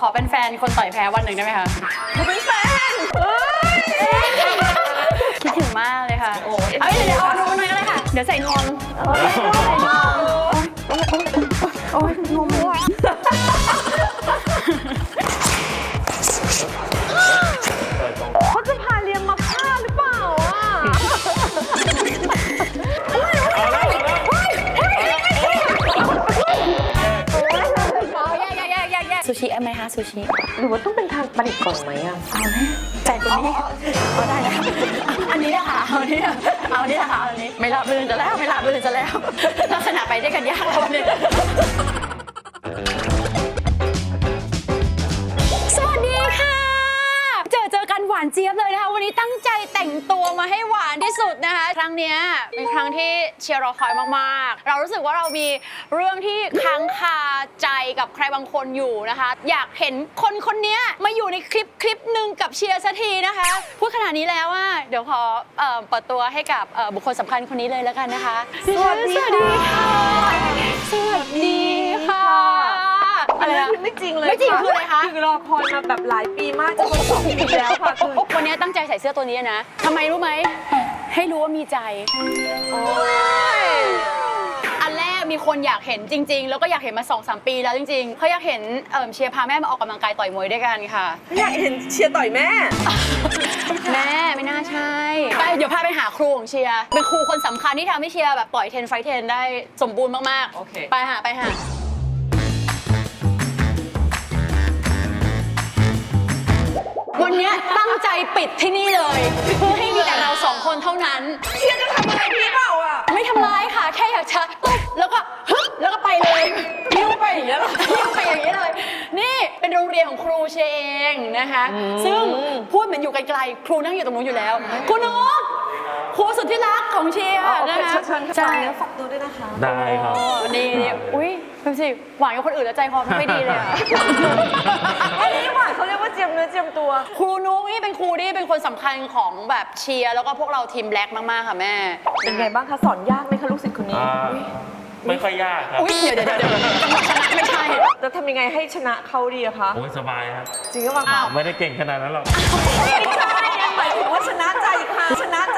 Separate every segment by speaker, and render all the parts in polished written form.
Speaker 1: อเป็นแฟนคนต่อยแพ้วันหนึ่งได้ไหมคะ
Speaker 2: หนูเป็นแฟน
Speaker 1: คิดถึงมากเลยค่ะเอาเดี๋ยวเอานมมาหน่อยก็ได้ค่ะเดี๋ยวใส่นวมโอ้ยนมว่ะ
Speaker 2: เขาจะพาเรียนมาฆ่าหรือเปล่าอ่ะ
Speaker 1: ซูชิไหมคะซูชิ
Speaker 2: หรือว่าต้องเป็นทางปนิกก่อนไหมอ่ะ
Speaker 1: เอาไหมแฟนคนนี้เอาได้แล้วอันนี้นะคะเอาอันนี้เอาอันนี้นะคะเอาอันนี้ไม่รับลื่นจะแล้วไม่รับลื่นจะแล้วลักษณะไปได้กันยากแล้ววันนี้สวัสดีค่ะเจอกันหวานเจี๊ยบเลยนะคะวันนี้ตั้งใจแต่งตัวมาให้หวานที่สุดนะคะครั้งนี้เป็นครั้งที่เชียร์รอคอยมากๆเรารู้สึกว่าเรามีเรื่องที่ค้างคาใจกับใครบางคนอยู่นะคะอยากเห็นคนนี้มาอยู่ในคลิปหนึ่งกับเชียร์สักทีนะคะพูดขนาดนี้แล้วว่าเดี๋ยวขอเปิดตัวให้กับบุคคลสำคัญคนนี้เลยแล้วกันนะคะ
Speaker 2: สวัสดีค่ะ
Speaker 1: สวัสดีค่ะ
Speaker 2: อะไรนะไม่จริงเลย
Speaker 1: ไม่จริงคืออะไรคะ
Speaker 2: คือรอคอยมาแบบหลายปีมากจะเป็น2 ปีแล้วค่ะคือ
Speaker 1: วันนี้ตั้งใจใส่เสื้อตัวนี้นะทำไมรู้ไหมให้รู้ว่ามีใจอันแรกมีคนอยากเห็นจริงๆแล้วก็อยากเห็นมา 2-3 ปีแล้วจริงๆเขาอยากเห็นเชียร์พาแม่มาออกกำลังกายต่อยมวยด้วยกันค่ะ
Speaker 2: อยากเห็นเชียร์ต่อยแม่
Speaker 1: แม่ไม่น่าใช่ไปเดี๋ยวพาไปหาครูของเชียร์เป็นครูคนสำคัญที่ทำให้เชียร์แบบต่อย10 ไฟท์ 10ได้สมบูรณ์มากๆโอเคไปหาวันนี้ตั้งใจปิดที่นี่เลยเพื่อให้มีแต่เรา2 คนเท่านั้น
Speaker 2: เชียร์จะทำอะไรพี่เปล่าอ่ะ
Speaker 1: ไม่ทำร้ายค่ะแค่อยากจะตุ๊บแล้วก็ฮึบแล้วก็ไปเลยยิ้วไปอย่างนี้เลยยิ้วไปอย่างนี้เลยนี่เป็นโรงเรียนของครูเชเองนะคะซึ่งพูดเหมือนอยู่ไกลๆครูนั่งอยู่ตรงนู้นอยู่แล้วครูนุ๊กครูสุดที่รักของเชียร์นะคะ
Speaker 2: ใช่แล้วฝากตัวด้วยนะคะ
Speaker 3: ได้ครับ
Speaker 1: นี่อุ้ยดูสิหวานกับคนอื่นแล้วใจคอไม่ดีเลย
Speaker 2: อันนี้หวานเขาเรียกว่าเจียมเนื้อเจียมตัว
Speaker 1: ครูนุ๊กนี่เป็นครูที่เป็นคนสำคัญของแบบเชียร์แล้วก็พวกเราทีมแบล็กมากๆค่ะแม่
Speaker 2: เป็นไงบ้างคะสอนยากไหมคะลูกศิษย์คนนี้
Speaker 3: ไม่ค่อยยากครับ
Speaker 1: อุ้ยเดี๋ยวจังหวะชนะไม่ใช่
Speaker 2: จะทำยังไงให้ชนะเขาดีอะคะ
Speaker 3: โอ้ยสบายครับ
Speaker 2: จริงหรือเปล่า
Speaker 3: ไม่ได้เก่งขนาดนั้นหรอก
Speaker 2: ไม่ใช่หมายถึงว่าชนะใจเขา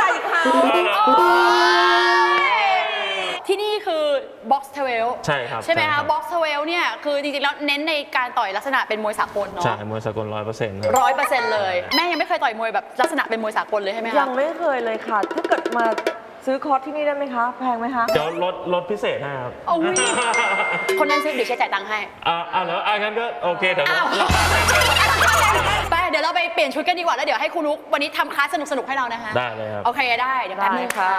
Speaker 1: ที่นี่คือ Box 12
Speaker 3: ใช่ครับ
Speaker 1: ใช่ไหมคะ Box 12เนี่ยคือจริงๆแล้วเน้นในการต่อยลักษณะเป็นมวยสากลเนาะ
Speaker 3: ใช่มวยสากล 100%
Speaker 1: 100%เลยแม่ยังไม่เคยต่อยมวยแบบลักษณะเป็นมวยสากลเลยใช่ไหมคะ
Speaker 2: ยังไม่เคยเลยค่ะถ้าเกิดมาซื้อคอร์สที่นี่ได้ไหมคะแพงไหมคะ
Speaker 3: เดี๋ยวลดพิเศษให้ครับ
Speaker 1: คนนั้นซื้อเดี๋ยวเชียร์จ่ายตังค์ให้
Speaker 3: แล้วงั้นก็โอเคเดี๋ยว
Speaker 1: ไปเดี๋ยวเราไปเปลี่ยนชุดกันดีกว่าแล้วเดี๋ยวให้ครูนุ๊กวันนี้ทำคลาสสนุกๆให้เรานะคะ
Speaker 3: ได้เลยครับ
Speaker 1: โอเคได้เดี๋ยวแป๊บนึงค่ะ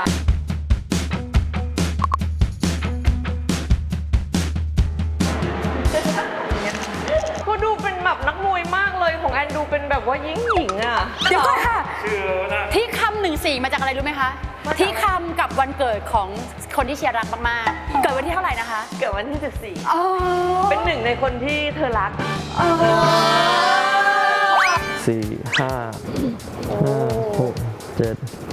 Speaker 2: ก็ดูเป็นแบบนักมวยมากเลยของแอนดูเป็นแบบว่าหญิงอ่ะ
Speaker 1: เดี๋ยวก่อนค่ะที่คำ14มาจากอะไรรู้ไหมคะที่คำกับวันเกิดของคนที่เชียร์รักมากๆเกิดวันที่เท่าไหร่นะคะ
Speaker 2: เกิดวันที่14เป็นหนึ่งในคนที่เธอรัก
Speaker 3: 4 5 6 7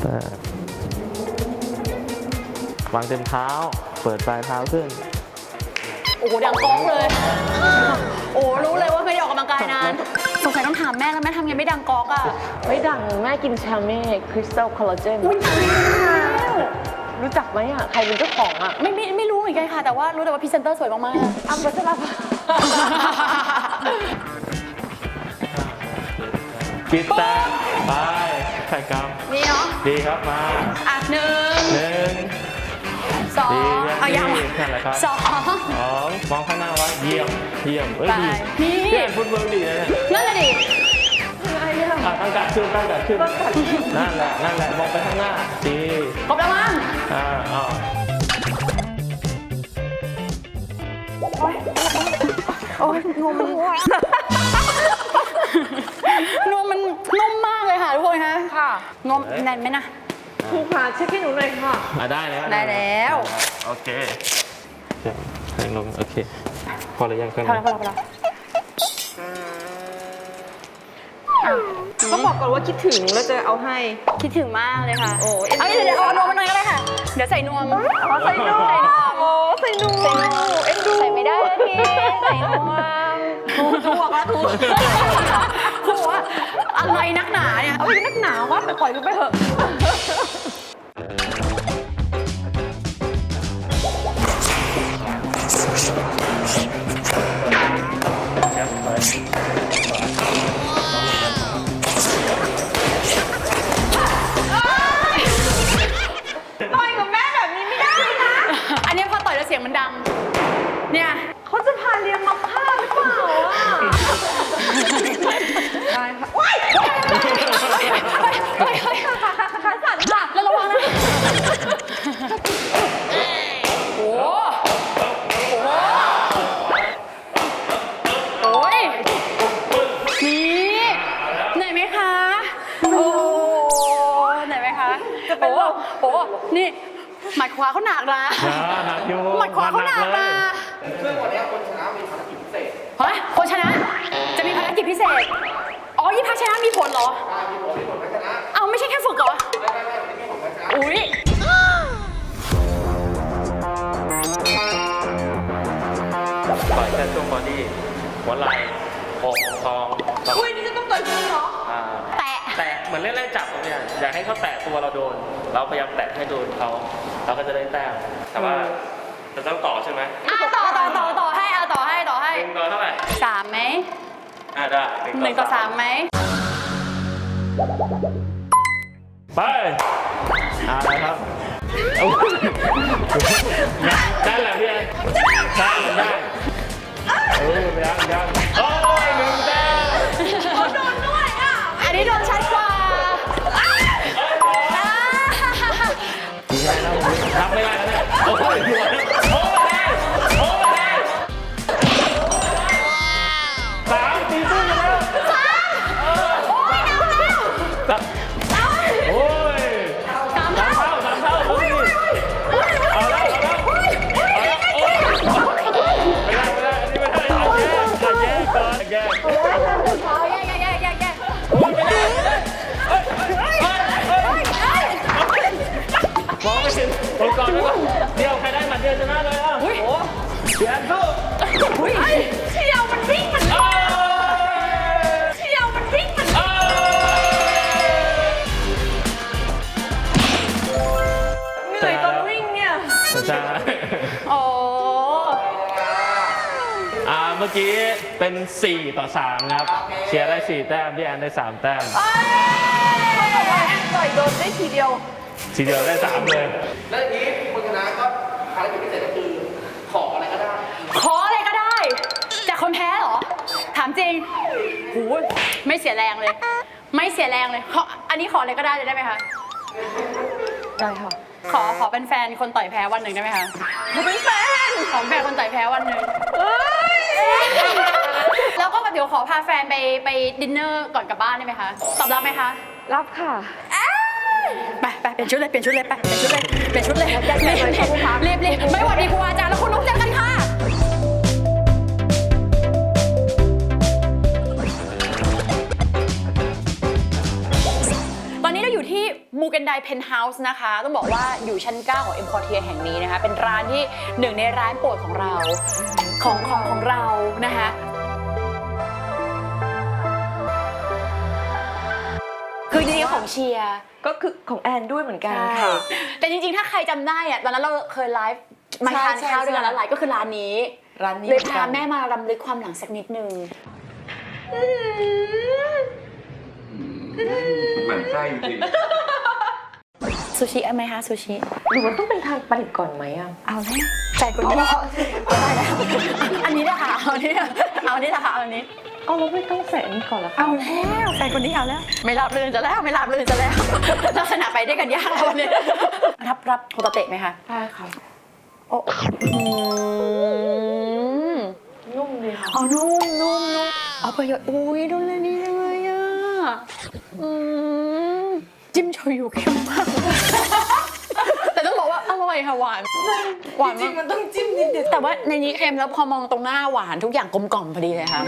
Speaker 3: 8วางเต็มเท้าเปิดปลายเท้าขึ้น
Speaker 1: โอ้โหดังก๊อกเลยโอ้รู้เลยว่าไม่ได้ออกกำลังกายนานสงสัยต้องถามแม่แล้วแม่ทำไงไม่ดังก๊อกอ่ะ
Speaker 2: ไม่ดังแม่กินชาเม่คริสตัลคอลลาเจนรู้จักไหมอ่ะใครเป็นเจ้าของอ่ะ
Speaker 1: ไม่รู้เหมือนกันค่ะแต่ว่ารู้แต่ว่าพรีเซนเตอร์สวยมากๆ
Speaker 2: อัมบัสลับ
Speaker 3: ปิดตาไปใส่กำ
Speaker 1: นี่เนาะ
Speaker 3: ดีครับมา
Speaker 1: 1 2เอาอย่าง
Speaker 3: นั่นแหละครับ2มองข้างหน้าไว้เยี่ยมดี
Speaker 1: นี่
Speaker 3: เล่นฟุตบอลดีนะเนี่ย
Speaker 1: นั่นแหละดิ
Speaker 3: ตั้งกัดขึ้นนั่นแหละมองไปข้างหน้าดี
Speaker 1: ครบแล้วมั้งโอ้ยนวมมันนุ่มมากเลยค่ะทุกคนค่ะนวมแน่นไหมนะ
Speaker 2: ครูค่ะเช็คให้หนูหน่อยค่ะ
Speaker 3: ได้แล้วโอเคแรงลงโอเคพอหรือยังกัน
Speaker 1: พอ
Speaker 2: ต้องบอกก่อนว่าคิดถึงแล้วจะเอาให้
Speaker 1: คิดถึงมากเลยค่ะเอาเดี๋ยวเอานวมมาหน่อยก็ได้ค่ะเดี๋ยวใส่นวม
Speaker 2: ใส่นวมเอ็นดู
Speaker 1: ใส่ไม่ได้พี่ใส่นวม
Speaker 2: ถูกแล้วถูก
Speaker 1: โหอะไรนักหนาเนี่ย
Speaker 2: เอาไปนักหนาวว่าแต่ปล่อยมันไปเถอะ ต่อยกับแม่แบบนี้ไม่ได้นะ
Speaker 1: อันนี้พอต่อยแล้วเสียงมันดัง เนี่ย
Speaker 2: เขาจะพาเรียนมาฆ่าหรือเปล่าอ่ะได้ค่ะว้าย
Speaker 1: เฮ้ยขาสั่นค่ะแล้วระวังนะโอ้โอ้ยนี่เหนื่อยไหมคะ โอ้เหนื่อยไหมคะโอ้นี่หมัดขวาเขาหนักนะ
Speaker 3: หนักอยู่
Speaker 1: หมัดขวาเขาหนักนะ
Speaker 4: ซึ่งวันนี้คนชนะมีภารกิจพิเศษ
Speaker 1: เฮ้ยคนชนะจะมีภารกิจพิเศษ อ๋อยี่พักชนะมีผลเหรอ
Speaker 4: มีผลไม่ชนะ
Speaker 1: เอาไม่ใช่แค่ฝึกเหรอ
Speaker 4: ไม่มีผลไม่ชนะ
Speaker 1: อุ้ย
Speaker 3: ต่อยแค่ช่วงบอดี้หัวไหล่อกท้อง
Speaker 2: อุ้ยนี่จะต้องต่อยจริงเหรอ
Speaker 1: แตะ
Speaker 3: แตะเหมือนเล่นๆจับตรงเนี้ยอยากให้เขาแตะตัวเราโดน เราพยายามแตะให้โดนเขาเราก็จะได้แต้มแต่ว่าจะต้องต่อใช่ไหม
Speaker 1: ต่อให้เอาต่อให้
Speaker 3: หนึ่งต่อเท่าไหร่
Speaker 1: 3ไหม
Speaker 3: ได้
Speaker 1: 1 ต่อ 3ไหม
Speaker 3: ไปอะไรครับนั่นแหละพี่แอนได้ยังโอ้ยหนึ่งแต้ม
Speaker 2: โดนด้วยอ่ะ
Speaker 1: อันนี้โดนชัดกว่า
Speaker 3: รับไม่ได้แล้วเนี่ยโอ้ยสามตีสู้กันแล้วโอ้ย
Speaker 1: 3 เท่า
Speaker 3: สามเท่าโอ้ยเอาแล้วไม่ได้อันนี้ไม่ได้เอาแย่ก่อนแย่
Speaker 1: เอาแยก
Speaker 3: โอ้ยไม่ได้มองไม่เห็นโอ้ก่อนเดี๋ยวใครได้หมัดเดียวชนะเลยอ่ะโอ้เสียนสู้
Speaker 2: เชี่ยวมันวิ่งมัน เชี่ยวมันวิ่งมันเหนื่อยตอนวิ่งเนี่ย
Speaker 3: ใช่
Speaker 1: โอ้
Speaker 3: เมื่อกี้เป็น4 ต่อ 3ครับเชียร์ได้4 แต้มพี่แอนได้3 แต้ม
Speaker 2: เขาบอกว่าแอนต่อยโดนได้ทีเดียว
Speaker 3: ทีเดียวได้3เลย
Speaker 4: และทีนี้คนชนะก็ภารกิจพิเศษก็คือขออะไรก็ได้
Speaker 1: ขออะไรก็ได้จากคนแพ้เหรอ ถามจริงหูไม่เสียแรงเลย ไม่เสียแรงเลยอันนี้ขออะไรก็ได้เลยได้ไหมคะ
Speaker 2: ได้ค่ะ
Speaker 1: ขอเป็นแฟนคนต่อยแพ้วันหนึ่งได้ไหมคะ
Speaker 2: เขาเป็นแฟน
Speaker 1: ขอเป็นแฟนคนต่อยแพ้วันหนึ่ง
Speaker 2: เอ้ย
Speaker 1: แล้วก็เดี๋ยวขอพาแฟนไปดินเนอร์ก่อนกลับบ้านได้ไหมคะ ตอบรับไหมคะ
Speaker 2: รับค่ะ
Speaker 1: ไปเปลี่ยนชุดเลย เปลี่ยนชุดเลย
Speaker 2: แยกเลยขอบคุณค่ะ
Speaker 1: รีบไม่หวัดดีครูอาจารย์แล้วคุณนุ๊กเจอกันค่ะ ตอนนี้เราอยู่ที่มูเกนไดเพนท์เฮาส์นะคะ ต้องบอกว่าอยู่ชั้น 9 ของเอ็มพอร์เทียแห่งนี้นะคะ เป็นร้านที่หนึ่งในร้านโปรดของเราของเรานะคะ คือจริงๆของเชียร์
Speaker 2: ก็คือของแอนด้วยเหมือนกันค่ะ
Speaker 1: แต่จริงๆ ถ้าใครจำได้อะตอนนั้นเราเคยไลฟ์มาทานข้าวด้วยกันแล้วไลฟ์ก็คือร้านนี้
Speaker 2: ร้านนี้
Speaker 1: เลยพาแม่มารำลึกความหลังสักนิดนึง
Speaker 4: เหมือนไส้จริง
Speaker 1: ซูชิเอาไหมคะซูชิ
Speaker 2: หรือมันต้องเป็นทางประดิษฐ์ก่อนไหมอ่ะ
Speaker 1: เอาแล้วแฟนคนนี้เอาได้แล้วอันนี้นะคะเอาอันนี้นะคะเอาอันนี้
Speaker 2: เอาแล้วไม่ต้องใส่อันนี้ก่อนเหรอคะ
Speaker 1: เอาแล้วแฟนคนนี้เอาแล้ว ไม่รับเลยจะแล้วลักษณะไปด้วยกันยากแล้วเนี่ยรับโฮตาเตะไหมคะ
Speaker 2: ได้ค่ะ
Speaker 1: โอ้
Speaker 2: นุ่มดีค่ะ
Speaker 1: เอานุ่มเอาประโยชน์อุ้ยดูเลยนี่เลยอ่ะจิ้มโชยุเข้มมากแต่ต้องบอกว่าอร่อยค่ะหวานจริงมันต้องจิ้มนิดเดียวแต่ว่าในนี้เค็มแล้วพอมองตรงหน้าหวานทุกอย่างกลมกล่อมพอดีเลยค่ะ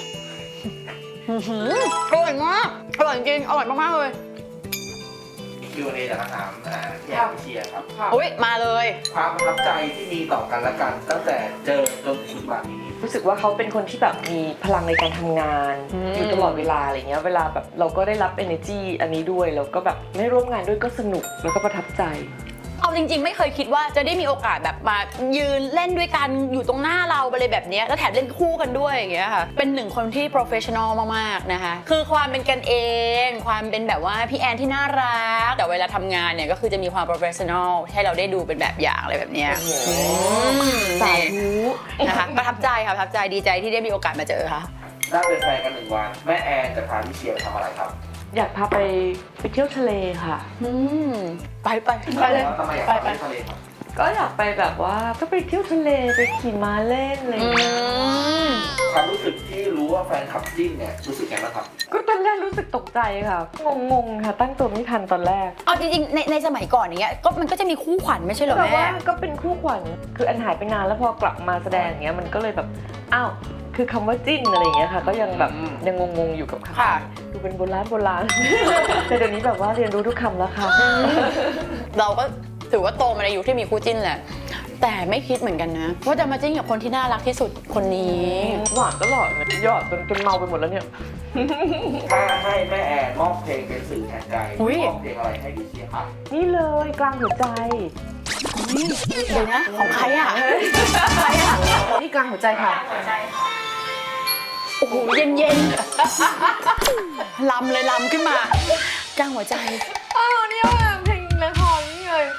Speaker 1: อร่อยมากอร่อยจริงอร่อยมากๆเลย
Speaker 4: Q&A จากคำถามพี่แอมพี่เชียร์ครับ
Speaker 1: อุ้ยมาเลย
Speaker 4: ความประทับใจที่มีต่อกันและกันตั้งแต่เจอจนถึงปัจจุบันนี้
Speaker 2: รู้สึกว่าเขาเป็นคนที่แบบมีพลังในการทำงาน
Speaker 1: อืม
Speaker 2: อยู่ตลอดเวลาอะไรเงี้ยเวลาแบบเราก็ได้รับ energy อันนี้ด้วยแล้วก็แบบไม่ร่วมงานด้วยก็สนุกแล้วก็ประทับใจ
Speaker 1: เอาจริงๆไม่เคยคิดว่าจะได้มีโอกาสแบบมายืนเล่นด้วยกันอยู่ตรงหน้าเราอะไรแบบเนี้ยแล้วแถมเล่นคู่กันด้วยอย่างเงี้ยค่ะเป็นหนึ่งคนที่ professional มากๆนะคะคือความเป็นกันเองความเป็นแบบว่าพี่แอนที่น่ารักแต่เวลาทำงานเนี่ยก็คือจะมีความ professional ให้เราได้ดูเป็นแบบอย่างอะไรแบบเนี้ย
Speaker 2: โอ้โห
Speaker 1: สา
Speaker 2: สาธุ
Speaker 1: นะคะประทับใจค่ะประทับใจดีใจที่ได้มีโอกาสมาเจอค่ะ
Speaker 4: ได้เป็นแฟนกัน1 วันแม่แอนจะพาพี่เชียร์ไปทำอะไรครับ
Speaker 2: อยากพาไปเที่ยวทะเลค่ะ
Speaker 1: ไปเลย
Speaker 4: ทำไมอยากไปเที่ยวทะเลครับ
Speaker 2: ก็อยากไปแบบว่าก็ไปเที่ยวทะเลไปขี่ม้าเล่นอะไรอย่างเงี้ย
Speaker 4: ความรู้สึกที่รู้ว่าแฟนขับจิ้นเนี่ยรู้สึกไงบ้างครับ
Speaker 2: ก็ตอนแรกรู้สึกตกใจค่ะงงๆค่ะตั้งตัวไม่ทันตอนแรก
Speaker 1: เอาจริงๆในสมัยก่อนอย่างเงี้ยก็มันก็จะมีคู่ขวัญไม่ใช่เหรอ
Speaker 2: แต่
Speaker 1: แม่
Speaker 2: ว่าก็เป็นคู่ขวัญคืออันหายไปนานแล้วพอกลับมาแสดงอย่างเงี้ยมันก็เลยแบบอ้าวคือคำว่าจิ้นอะไรอย่างเงี้ยค่ะ ก็ยังแบบ
Speaker 4: อืม
Speaker 2: ยังงงๆอยู่กับ
Speaker 1: ค่ะ
Speaker 2: ดูเป็นโบราณ แต่เดี๋ยวนี้แบบว่าเรียนรู้ทุกคำแล้วค่ะ
Speaker 1: เราก็ถือว่าโตมาในยุคที่มีคู่จิ้นแหละ แต่ไม่คิดเหมือนกันนะ ว่าจะมาจิ้นกับคนที่น่ารักที่สุดคนนี้
Speaker 2: หวานตลอดเลยหยอดจนเมาไปหมดแล้วเนี่ย
Speaker 4: ถ้าให้แม่แอนมอบเพลงเป็นสื่อแทนใจ
Speaker 1: อุ๊ย
Speaker 4: มอบเพลงอะไรให้พี่เชียร์ครับ
Speaker 2: นี่เลยกลางหัวใจ
Speaker 1: เดี๋ยวนะของใครอ่ะใครอ่ะ
Speaker 2: นี่กลางหัวใจค่ะ
Speaker 1: โอ้โหเย็นๆลำเลยลำขึ้นมาจ้างหัวใจ
Speaker 2: อ้าวเนี่ยเพลงละครนี่เลย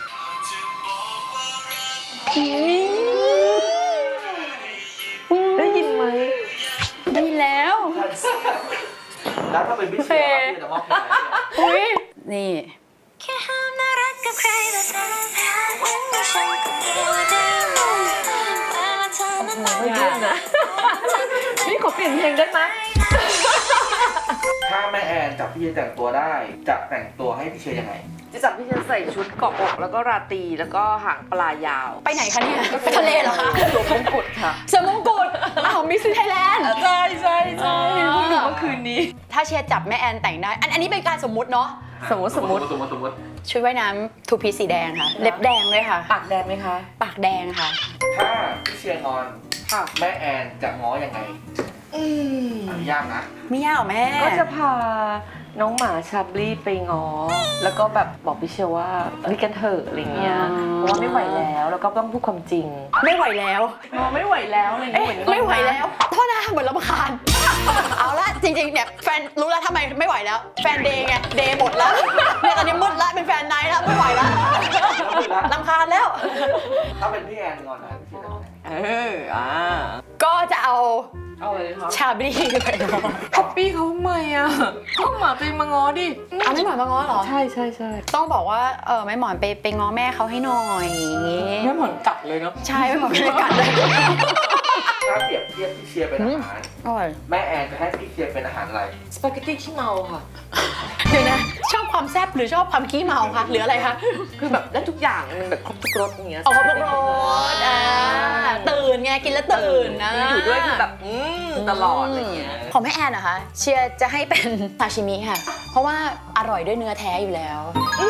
Speaker 2: ได้ยินไหม
Speaker 1: ได้แล้ว
Speaker 4: แล้วถ้าเป็นพี่เชียร์ครับพี่จะมอบเพลงอะไรให้
Speaker 1: อุ้ยนี่
Speaker 5: แค่ห้ามน่ารักกับใครแบบนั้นวันนี้ฉันก็ตัวได้หมดแต่ว่าเธอนั้นต้อง
Speaker 2: ไม่ยื่นนะนี่ขอเปลี่ยนเพลงได้ไหม
Speaker 4: ถ้าแม่แอนจับพี่เชียร์แต่งตัวได้จะแต่งตัวให้พี่เชียร์ยังไง
Speaker 2: จะจับพี่เชนใส่ชุดเกาะอกแล้วก็ราตรีแล้วก็หางปลายาว
Speaker 1: ไปไหนคะเนี่ยไปทะเลเหรอคะ
Speaker 2: สวมมงกุฎค่ะ
Speaker 1: สวมมงกุฎอ้าวมิสไทยแลนด์
Speaker 2: ใช่เพิ่งดูเมื่อคืนนี้
Speaker 1: ถ้าเชียร์จับแม่แอนแต่งได้ อันนี้เป็นการสมมุติเนาะ
Speaker 2: สมมติ
Speaker 4: สมมติ
Speaker 1: ชุดว่ายน้ำทูพีสีแดงค่ะ เล็บแดงด้วยค่ะ
Speaker 2: ปากแดงไหมคะ
Speaker 1: ปากแดงค่ะ
Speaker 4: ถ้าพี่เชียร์งอน
Speaker 2: ค่ะ
Speaker 4: แม่แอนจะง้อยังไงอันนี้ยากนะ
Speaker 1: ไม่ยากหรอแม่
Speaker 2: ก็จะพาน้องหมาชาบลี่ไปง้อ แล้วก็แบบบอกพี่เชลว่าเฮ้ยกันเถอะอะไรเงี้ย เพราะว่าไม่ไหวแล้วแล้วก็ต้องพูดความจริง
Speaker 1: ไม่ไหวแล้ว
Speaker 2: ง้อไม่ไหวแล้วอะไร
Speaker 1: เอ๊ะ
Speaker 2: เงี้ย
Speaker 1: ไม่ไหวแล้วโทษนะเหมือนรำคาญ เอาละจริงๆเนี่ยแฟนรู้แล้วทำไมไม่ไหวแล้ว แฟนเดย์ไงเดย์หมดแล้วเนี่ยตอนนี้มืดแล้วเป็นแฟนไนท์แล้วไม่ไหวแล้วรำคาญแล้ว
Speaker 4: ถ้าเป็นพี่แอนงอนนะพี่เชียร์จะง้อยังไง
Speaker 1: ก็จะเอา
Speaker 2: เอาเลยครับ
Speaker 1: ชาบลี่ไปง้อ
Speaker 2: ป๊อปปี้เขาทำไมอ่ะก็หมาตัวเองมาง้อดิ
Speaker 1: เอาไม่หมอนมาง้อเหรอ
Speaker 2: ใช่ใช่ใช่
Speaker 1: ต้องบอกว่าไม่หมอนไปง้อแม่เขาให้หน่อยอย่างงี้
Speaker 2: ไม่เหมือนกัดเลยเนาะ
Speaker 1: ใช่ไม่หมอนเป็นกัดเลย
Speaker 4: ถ้าเปรียบเทียบพี่เชียร์เป็นอาหาร
Speaker 1: อร่อย
Speaker 4: แม่แอนจะให้พี่เชียร์เป็นอาหารอะไร
Speaker 2: สปาเกตตี้ขี้เมาค่ะ
Speaker 1: เดี๋ยวนะชอบความแซ่บหรือชอบความขี้เมาคะหรืออะไรคะ
Speaker 2: คือแบบได้ทุกอย่างมันแบบครบทุกรสอย่างเงี้ย
Speaker 1: ออกมาพวกรสตื่นไงกินแล้วตื่นนะ
Speaker 2: อยู่ด้วยคือแบบตลอดอะไรเงี้ย
Speaker 1: ของแม่แอนนะคะเชียร์จะให้เป็นซาชิมิค่ะ เพราะว่าอร่อยด้วยเนื้อแท้อยู่แล้ว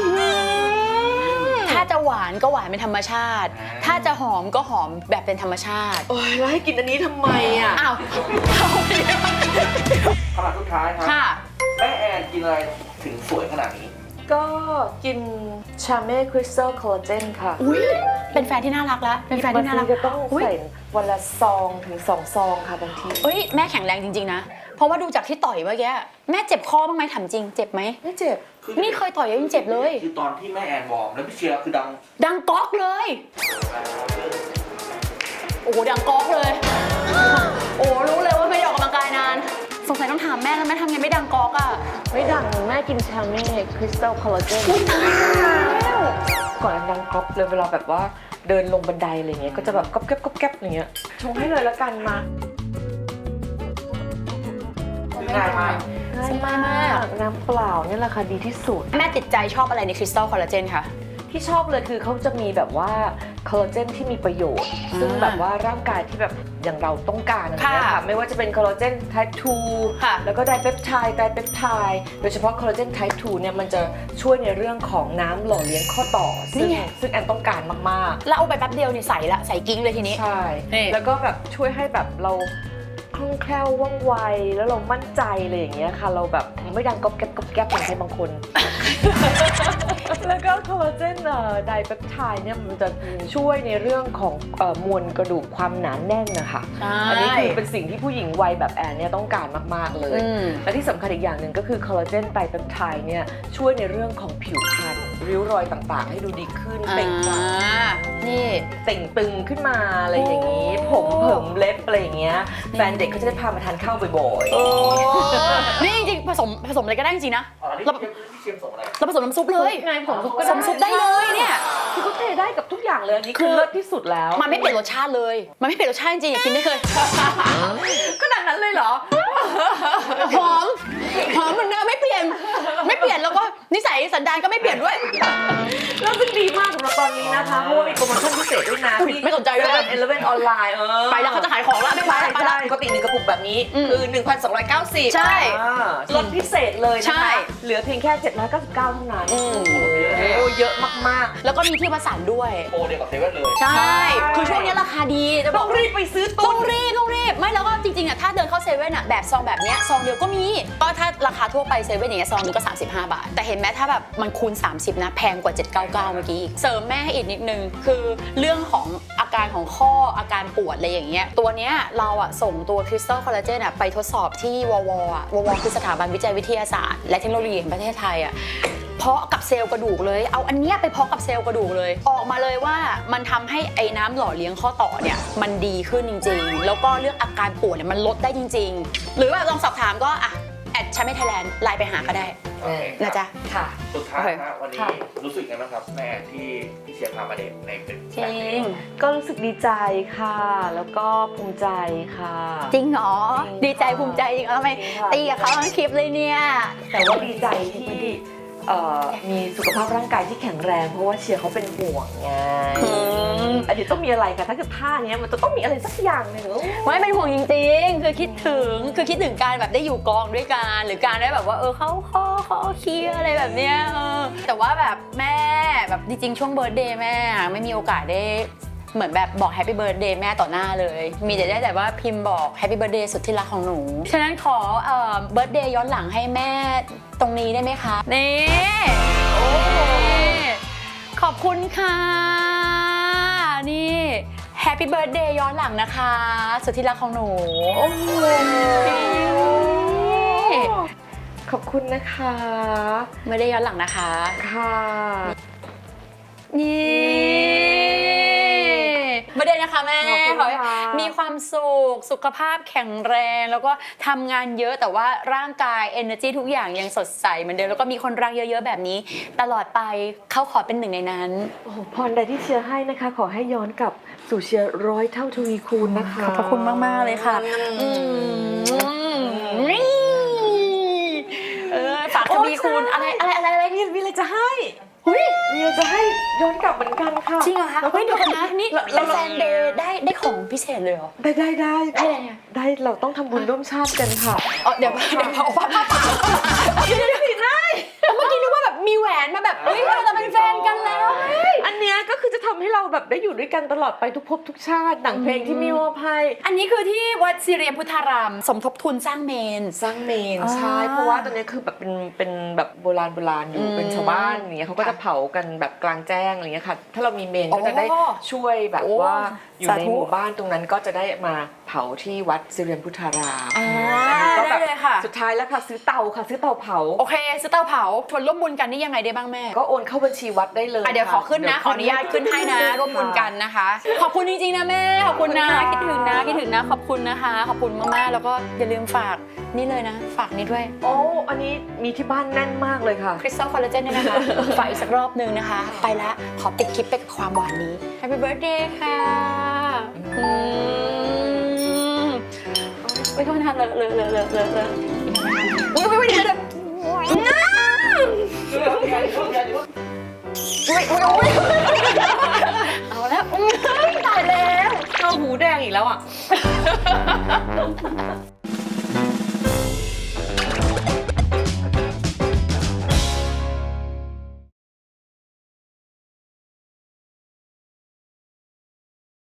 Speaker 1: ถ้าจะหวานก็หวานเป็นธรรมชาติ ถ้าจะหอมก็หอมแบบเป็นธรรมชาติ
Speaker 2: โอ้ยแล้วให้กินอันนี้ทำไมอ่ะ
Speaker 1: อ้าว
Speaker 4: คำถามสุดท้ายครับ
Speaker 1: ค่ะ
Speaker 4: แม่แอนกินอะไรถึงสวยขนาดนี้
Speaker 2: ก็กินชาเม่คริสตัลคอลลาเจนค่ะ
Speaker 1: อุ้ยเป็นแฟนที่น่ารักแล้วเป็นแฟนที่น่ารัก
Speaker 2: บงทีก็ต้อง
Speaker 1: อุ๊ย
Speaker 2: ใส่วันละซองถึง2 ซองค่ะบางที
Speaker 1: เอ้ยแม่แข็งแรงจริงๆนะ เพราะว่าดูจากที่ต่อยเมื่อกี้แม่เจ็บคอบ้างไหมถามจริงเจ็บไหม
Speaker 2: ไม่เจ็บ
Speaker 1: นี่เคยต่อยยังเจ็บเลย
Speaker 4: คือตอนที่แม่แอนวอร์มแล้วพี่เชียร์คือดัง
Speaker 1: ดังก๊อกเลย โอ้โหดังก๊อกเลย โอ้รู้เลยว่าไม่ได้ออกกำลังกายนาน สงสัยต้องถามแม่แล้วแม่ทำไงไม่ดังก๊อกอ่ะ
Speaker 2: ไม่ดังแม่กินชาเม่คริสตัลคอลลาเจนก่อนดังก๊อบเลยเวลาแบบว่าเดินลงบันไดอะไรเงี้ยก็จะแบบก๊อบแก๊บก๊อบแก๊บอะไรเงี้ยชงให้เลยละกันมา
Speaker 4: ง่ายมาก
Speaker 2: ง่ายมากน้ำเปล่าเนี่ยแหละค่ะดีที่สุด
Speaker 1: แม่ติดใจชอบอะไรในคริสตัลคอลลาเจนคะ
Speaker 2: ที่ชอบเลยคือเขาจะมีแบบว่าคอลลาเจนที่มีประโยชน์ ซึ่งแบบว่าร่างกายที่แบบอย่างเราต้องการอะไรเงี้ยค่ะไม่ว่าจะเป็นคอลลาเจน type
Speaker 1: ค่ะ
Speaker 2: 2 แล้วก็ไดเปปไทด์โดยเฉพาะคอลลาเจน type 2 เนี่ยมันจะช่วยในเรื่องของน้ำหล่อเลี้ยงข้อต่อ ซึ่งแอนต้องการมากๆ
Speaker 1: แล้วเอาไปแป๊บเดียวนี่ใส่ละใส่กิ้งเลยทีนี้
Speaker 2: ใช่
Speaker 1: นี่
Speaker 2: แล้วก็แบบช่วยให้แบบเราคล่องแคล่วว่องไวแล้วเรามั่นใจอะไรอย่างเงี้ยค่ะเราแบบไม่ดังก๊อบแก๊บก๊อบแก๊บเหมือนใครบางคน แล้วก็คอลลาเจนไดเปปไทด์เนี่ยมันจะช่วยในเรื่องของมวลกระดูกความหนาแน่นนะคะ อันนี้คือเป็นสิ่งที่ผู้หญิงวัยแบบแอนเนี่ยต้องการมากๆเลย และที่สำคัญอีกอย่างหนึ่งก็คือคอลลาเจนไดเปปไทด์เนี่ยช่วยในเรื่องของผิวพรรณริ้วรอยต่างๆ ให้ดูดีขึ้นเปล่งปลั่ง
Speaker 1: นี่
Speaker 2: เต่งตึงขึ้นมาอะไรอย่างนี้ ผมเผิมเล็บอะไรอย่างเงี้ยแฟนเด็กเขาจะได้พามาทานข้าวบ่อยๆ
Speaker 1: นี่จริงๆผสมอะไรก็ได้จริงๆนะ
Speaker 4: อ๋อนี่
Speaker 1: เรา
Speaker 4: พี่เชียมส่งอะไร
Speaker 1: เราผสมน้ำซุปเลย
Speaker 2: ไงผม
Speaker 1: ผสมซุปได้เลยเนี่ย
Speaker 2: คือเขาเทได้กับทุกอย่างเลยอันนี้คือเลิศที่สุดแล้ว
Speaker 1: มันไม่เปลี่ยนรสชาติเลย มันไม่เปลี่ยนรสชาติจริงๆกินได้เลย
Speaker 2: ขนาดนั้นเลยเหรอ
Speaker 1: หอมเหมือนเดิมไม่เปลี่ยนแล้วก็นิสัยสันดานก็ไม่เปลี่ยนด้วย
Speaker 2: แล้วซึ่งดีมากสำหรับตอนนี้นะคะเพราะว่ามีโปรโมชั่นพิเศษด้วยนะ
Speaker 1: ไม่สนใจด้วย
Speaker 2: 11ออนไลน์
Speaker 1: ไปแล้วเขาจะขายของแล้วไม่ไป
Speaker 2: ใช่
Speaker 1: ไปแล้ว
Speaker 2: ปกติ1กระปุกแบบนี้คือ 1,290
Speaker 1: ใช่
Speaker 2: ลดพิเศษเลยนะ
Speaker 1: ใช่
Speaker 2: คะเหลือเพียงแค่799เท่านั้นโอ้เยอะมาก
Speaker 1: แล้วก็มีที่วัดสันด้วย
Speaker 4: โปรเดียวกับเซเว่นเลย
Speaker 1: ใช่ คือช่วงนี้ราคาดีจะ
Speaker 2: ๆ
Speaker 1: บ
Speaker 2: ต้
Speaker 1: อ
Speaker 2: อก งรีบไปซื้อ
Speaker 1: ต้
Speaker 2: ตุ้
Speaker 1: อน งรีบไม่แล้วก็จริงๆอ่ะถ้าเดินเข้าเซเว่นอ่ะแบบซองแบบเนี้ยซองเดียวก็มีก็ถ้าราคาทั่วไปเซเว่นอย่างเงี้ยซองนึงก็35 บาท แต่เห็นไหมถ้าแบบมันคูณ30นะแพงกว่า799เมื่อกี้อีกเสริมแม่ให้อีกนิดนึงคือเรื่องของอาการของข้ออาการปวดอะไรอย่างเงี้ยตัวเนี้ยเราอ่ะส่งตัวคริสตัลคอลลาเจนอ่ะไปทดสอบที่ววคือสถาบันวิจัยวิทยาศาสตร์และเทคโนโลยีแห่งประเทศไทยอ่ะเพาะกับเซลล์กระดูกเลยเอาอันเนี้ยไปเพาะกับเซลล์กระดูกเลยออกมาเลยว่ามันทำให้ไอ้น้ำหล่อเลี้ยงข้อต่อเนี่ยมันดีขึ้นจริงๆแล้วก็เรื่องอาการปวดเนี่ยมันลดได้จริงๆหรือแบบลองสอบถามก็อ่ะแอดชัมไม่ไทยแลนด์ไลน์ไปหาก็ได้
Speaker 4: โอเค
Speaker 1: นะจ๊ะ
Speaker 2: ค่ะ
Speaker 4: สุดท้าย
Speaker 1: โอเค
Speaker 4: นะวันนี้
Speaker 2: ค่ะ
Speaker 4: รู้สึกยังไงบ้างครับแม่ที่พี่เชียร์พามาเดทในเป็น
Speaker 1: จริง
Speaker 2: ก็รู้สึกดีใจค่ะ แล้วก็ภูมิใจค่ะ
Speaker 1: จริงเหรอ
Speaker 2: จริง
Speaker 1: ดีใจภูมิใจจริงเหรอทำไม
Speaker 2: จริงค่ะ
Speaker 1: ตีกับเขาทั้งคลิปเลยเนี่ย
Speaker 2: แต่ว่าดีใจที่มีสุขภาพร่างกายที่แข็งแรง เพราะว่าเชียร์เขาเป็นห่วงไงอันนี้ต้องมีอะไรคะถ้าเกิดท่าเนี้ยมันจะต้องมีอะไรสักอย่างหนึ่ง
Speaker 1: ไม่เป็นห่วงจริงๆ คือคิดถึงการแบบได้อยู่กองด้วยกันหรือการได้แบบว่าเข้าข้อเขาเคลียร์อะไรแบบเนี้ยแต่ว่าแบบแม่แบบจริงๆช่วงเบิร์ธเดย์แม่ไม่มีโอกาสได้เหมือนแบบบอกแฮปปี้เบิร์ธเดย์แม่ต่อหน้าเลย มีแต่ได้แต่ว่าพิมพ์บอกแฮปปี้เบิร์ธเดย์สุดที่รักของหนู ฉะนั้นขอเบิร์ธเดย์ย้อนหลังให้แม่ตรงนี้ได้ไหมคะนี่โอ้โหขอบคุณค่ะนี่แฮปปี้เบิร์ธเดย์ย้อนหลังนะคะสุดที่รักของหนูโอ้โห
Speaker 2: ขอบคุณนะคะ
Speaker 1: ไม่ได้ย้อนหลังนะคะ
Speaker 2: ค่ะ
Speaker 1: นี่ไม่ได้นะคะแม่
Speaker 2: ขอบคุณ
Speaker 1: ขอให้
Speaker 2: ค่ะ
Speaker 1: มีความสุขภาพแข็งแรง แล้วก็ทำงานเยอะแต่ว่าร่างกาย energy ทุกอย่างยังสดใสเหมือนเดิมแล้วก็มีคนรักเยอะๆแบบนี้ ตลอดไปเขาขอเป็นหนึ่งในนั้น
Speaker 2: โอ้โหพรใดที่เชียร์ให้นะคะ ขอให้ย้อนกลับสู่เชียร์100 เท่าทวีคูณนะคะ
Speaker 1: ขอบพระคุณมาก ๆ เลยค่ะฝากทวีคูณอะไร
Speaker 2: มีอะไรจะให้
Speaker 1: หุ้ย
Speaker 2: มีอะไรจะให้ย้อนกลับเหมือนกันค่ะ
Speaker 1: จริงเหรอคะเฮ้ยเดี๋ยวกันนะนี่เป็นแฟนเดย์ได้ของพิเศษเลยเหรอ
Speaker 2: ได้
Speaker 1: ได้อะไรอะ
Speaker 2: ได้เราต้องทำบุญร่วมชาติกันค่ะ
Speaker 1: เดี๋ยวเอาผ้าป่าเดี๋ยวได้เมื่อกี้นึกว่าแบบมีแหวนมาแบบเฮ้ยเราจะเป็นแฟนกันแล้ว
Speaker 2: อันเนี้ยก็คือจะทำให้เราแบบได้อยู่ด้วยกันตลอดไปทุกภพทุกชาติหนังเพลงที่มีมอบให้
Speaker 1: อันนี้คือที่วัดสิเรียมพุทธารามสมทบทุนสร้างเมน
Speaker 2: สร้างเมน
Speaker 1: อ่า
Speaker 2: ใช่เพราะว่าตอนนี้คือแบบเป็นแบบโบราณอยู่เป็นชาวบ้านอย่างเงี้ยเขาก็จะเผากันแบบกลางแจ้งอะไรเงี้ยค่ะถ้าเรามีเมนก็จะได้ช่วยแบบว่าอยู่ในหมู่บ้านตรงนั้นก็จะได้มาเผาที่วัดสิเรียมพุทธาราม ก็
Speaker 1: ได้
Speaker 2: แบบ
Speaker 1: เลยค่ะ
Speaker 2: สุดท้ายแล้วค่ะซื้อเตาเผา
Speaker 1: โอเคซื้อเตาเผาชวนร่วมบุญกันนี่ยังไงได้บ้างแม่
Speaker 2: ก็โอนเข้าบัญชีวัดได้เลย
Speaker 1: เดี๋ยวขอขึ้นนะขออนุญาตขึ้นให้นะร่วมบุญกันนะคะ ขอบคุณจริงๆนะแม่ขอบคุณนะคิดถึงนะขอบคุณนะคะขอบคุณมากๆแล้วก็อย่าลืมฝากนี่เลยนะฝากนี่ด้วย
Speaker 2: โอ้อันนี้มีที่บ้านแน่นมากเลยค่ะ
Speaker 1: คริสตัลคอลลาเจนเนี่ยนะคะ ฝากอีกสักรอบนึงนะคะ ไปละขอปิดคลิปไปกับความหวานนี้ Happy Birthday ค่ะไม่ต้องทานเลยอุ้ยไม่เดี๋ยวเอาแล้วตายแล้ว
Speaker 2: เอาหูแดงอีกแล้วอ่ะ